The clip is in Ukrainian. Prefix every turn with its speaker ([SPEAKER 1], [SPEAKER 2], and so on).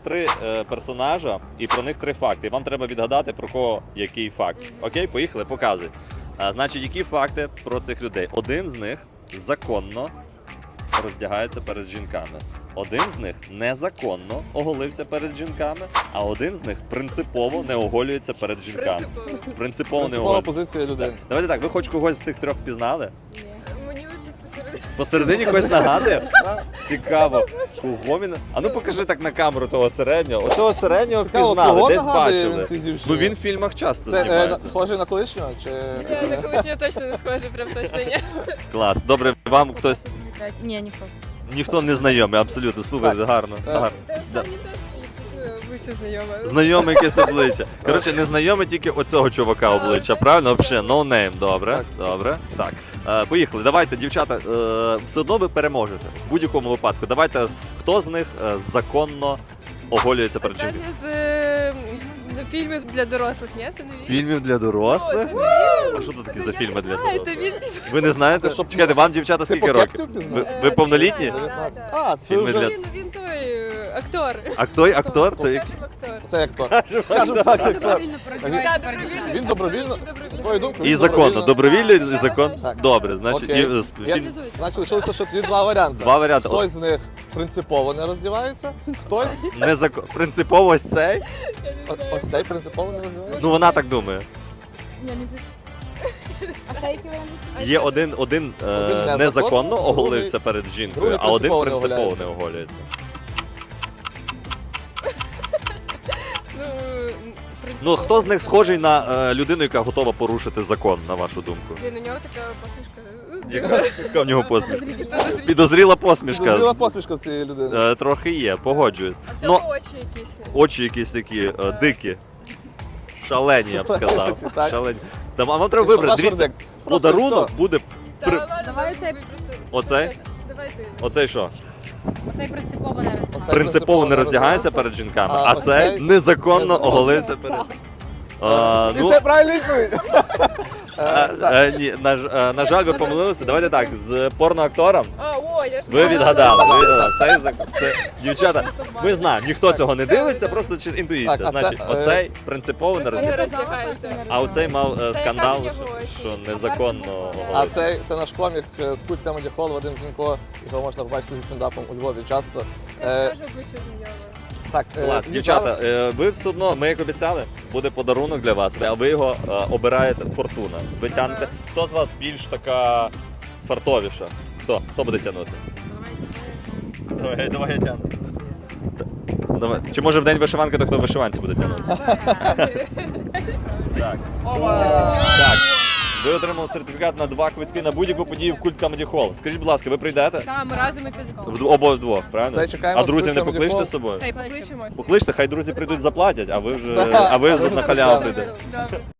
[SPEAKER 1] три персонажа і про них три факти. І вам треба відгадати, про кого який факт. Окей, поїхали, показуй. Значить, які факти про цих людей? Один з них законно роздягається перед жінками. Один з них незаконно оголився перед жінками, а один з них принципово не оголюється перед жінками. Принципово не
[SPEAKER 2] Принципова
[SPEAKER 1] оголюється.
[SPEAKER 2] позиція людини.
[SPEAKER 1] Давайте так, ви хоч когось з тих трьох впізнали?
[SPEAKER 3] Мені щось посередині.
[SPEAKER 1] Посередині когось нагадує? Цікаво. Кого він? А ну покажи так на камеру того середнього. Оцього середнього
[SPEAKER 2] Цікаво,
[SPEAKER 1] впізнали,
[SPEAKER 2] кого
[SPEAKER 1] десь
[SPEAKER 2] нагадує
[SPEAKER 1] бачили.
[SPEAKER 2] він цій дівчині?
[SPEAKER 1] Ну він в фільмах часто
[SPEAKER 2] Це
[SPEAKER 1] знімається.
[SPEAKER 2] схожий на колишнього? Чи...
[SPEAKER 3] Ні, на колишнього точно не схоже, прям точно ні.
[SPEAKER 1] Клас. Добре, вам хтось...
[SPEAKER 3] Ні, ніхто.
[SPEAKER 1] Ніхто не знайомий, абсолютно. Слухайте, гарно. гарно. Да.
[SPEAKER 3] Останній теж обличчя знайоме.
[SPEAKER 1] Знайоме якесь обличчя. Коротше, не знайоме тільки оцього чувака обличчя, правильно? Взагалі, no name, добре.
[SPEAKER 2] Так.
[SPEAKER 1] Добре. Так. Поїхали. Давайте, дівчата, все одно ви переможете. В будь-якому випадку. Давайте, хто з них законно оголюється перед жінкою?
[SPEAKER 3] Останнє з фільмів для дорослих, ні? Це не він?
[SPEAKER 1] Фільмів для дорослих?
[SPEAKER 3] О, це не
[SPEAKER 1] А що тут такі за фільми для
[SPEAKER 3] А, це
[SPEAKER 1] дорослих?
[SPEAKER 3] він,
[SPEAKER 1] Ви не знаєте?
[SPEAKER 2] Ти щоб-
[SPEAKER 1] Чекайте, вам, дівчата,
[SPEAKER 2] Ти
[SPEAKER 1] скільки
[SPEAKER 2] по
[SPEAKER 1] років?
[SPEAKER 2] кепці впізнав?
[SPEAKER 1] Ви повнолітні?
[SPEAKER 2] 19.
[SPEAKER 3] Так.
[SPEAKER 2] А, ти
[SPEAKER 1] Фільми
[SPEAKER 2] вже...
[SPEAKER 1] для-
[SPEAKER 3] Він той актор.
[SPEAKER 1] Актор? То як?
[SPEAKER 3] Скажімо, актор.
[SPEAKER 2] Це актор. Скажемо так, актор.
[SPEAKER 3] Так, добровільно.
[SPEAKER 2] Він добровільно? На твою думку?
[SPEAKER 1] І
[SPEAKER 2] він
[SPEAKER 1] законно. Добровільно і
[SPEAKER 3] Так.
[SPEAKER 1] закон?
[SPEAKER 2] Так.
[SPEAKER 1] Добре, значить,
[SPEAKER 2] Окей.
[SPEAKER 1] фільм...
[SPEAKER 2] Значить, лишилося ще тоді два варіанти.
[SPEAKER 1] Два варіанти.
[SPEAKER 2] Хтось з них принципово не роздівається, хтось...
[SPEAKER 1] Принципово ось цей?
[SPEAKER 2] Ось цей принципово не роздівається.
[SPEAKER 1] Ну вона так думає.
[SPEAKER 4] А ще які варіанти?
[SPEAKER 1] Є один
[SPEAKER 2] незаконно,
[SPEAKER 1] незаконно оголився
[SPEAKER 2] другий-
[SPEAKER 1] перед жінкою,
[SPEAKER 2] другий
[SPEAKER 1] а один
[SPEAKER 2] принципово не
[SPEAKER 1] принципово не
[SPEAKER 2] оголяється.
[SPEAKER 1] оголюється. Ну хто з них схожий на людину, яка готова порушити закон, на вашу думку?
[SPEAKER 3] Він, у нього така посмішка.
[SPEAKER 1] Яка в нього посмішка? Підозріла посмішка.
[SPEAKER 2] Підозріла посмішка в цієї людини.
[SPEAKER 1] Трохи є, погоджуюсь.
[SPEAKER 3] А в
[SPEAKER 1] Ну,
[SPEAKER 3] цьому очі якісь.
[SPEAKER 1] очі якісь такі дикі. Шалені, я б сказав.
[SPEAKER 2] Так.
[SPEAKER 1] Шалені. А вам треба
[SPEAKER 2] Якщо
[SPEAKER 1] вибрати.
[SPEAKER 2] наш
[SPEAKER 1] Дивіться,
[SPEAKER 2] вердикт. Просто
[SPEAKER 1] подарунок
[SPEAKER 2] все.
[SPEAKER 1] буде.
[SPEAKER 3] Та
[SPEAKER 1] При-
[SPEAKER 3] ладно,
[SPEAKER 4] Давай
[SPEAKER 3] давай
[SPEAKER 4] цей.
[SPEAKER 3] просто.
[SPEAKER 1] Оцей?
[SPEAKER 3] Давай ти.
[SPEAKER 1] Оцей що?
[SPEAKER 4] Оцей принципово не роздягає.
[SPEAKER 2] Оце
[SPEAKER 1] Принципово не роздягається перед жінками, а
[SPEAKER 2] оцей
[SPEAKER 1] цей незаконно
[SPEAKER 2] незаконно.
[SPEAKER 1] оголився перед.
[SPEAKER 2] І
[SPEAKER 1] Ну,
[SPEAKER 2] це правильна відповідь.
[SPEAKER 1] ні, на жаль, ви помилилися. Давайте так, з порноактором
[SPEAKER 3] О, я ж
[SPEAKER 1] ви відгадали. Ви відгадали. Це дівчата. Ми знаємо, ніхто цього не дивиться, просто інтуїція.
[SPEAKER 2] Так, а це,
[SPEAKER 1] Значить, оцей принципово не
[SPEAKER 3] Це
[SPEAKER 1] роздягається.
[SPEAKER 3] роздягається.
[SPEAKER 1] А оцей мав скандал,
[SPEAKER 3] яка в нього
[SPEAKER 1] що
[SPEAKER 3] очі?
[SPEAKER 1] незаконно
[SPEAKER 2] А
[SPEAKER 1] оголився.
[SPEAKER 2] це наш комік з культ Comedy Hall, Вадим Зінько, його можна побачити зі стендапом у Львові часто.
[SPEAKER 3] Я ж кажу, обличчя знайоме.
[SPEAKER 2] Так,
[SPEAKER 1] Клас,
[SPEAKER 2] і
[SPEAKER 1] дівчата,
[SPEAKER 2] зараз-
[SPEAKER 1] ви все одно, ми як обіцяли, буде подарунок для вас, а ви його обираєте фортуна. Ви тягнете. Хто з вас більш така фартовіша? Хто буде тягнути? Давай я тягну. Давай. Чи може в день вишиванки, то хто в вишиванці буде тягнути? Так. Так. Ви отримали сертифікат на 2 квитки на будь-яку подію в Культ Comedy Hall. Скажіть, будь ласка, ви прийдете?
[SPEAKER 3] Так, ми разом і підзикали.
[SPEAKER 1] Обоє вдвох, правильно?
[SPEAKER 2] Все, чекаємо
[SPEAKER 1] А друзів не
[SPEAKER 2] з Культ Comedy
[SPEAKER 1] покличте
[SPEAKER 2] Hall.
[SPEAKER 1] з собою?
[SPEAKER 3] Та й покличемо.
[SPEAKER 1] Покличте, хай друзі прийдуть заплатять, а ви на халяву прийдете.
[SPEAKER 3] Добре.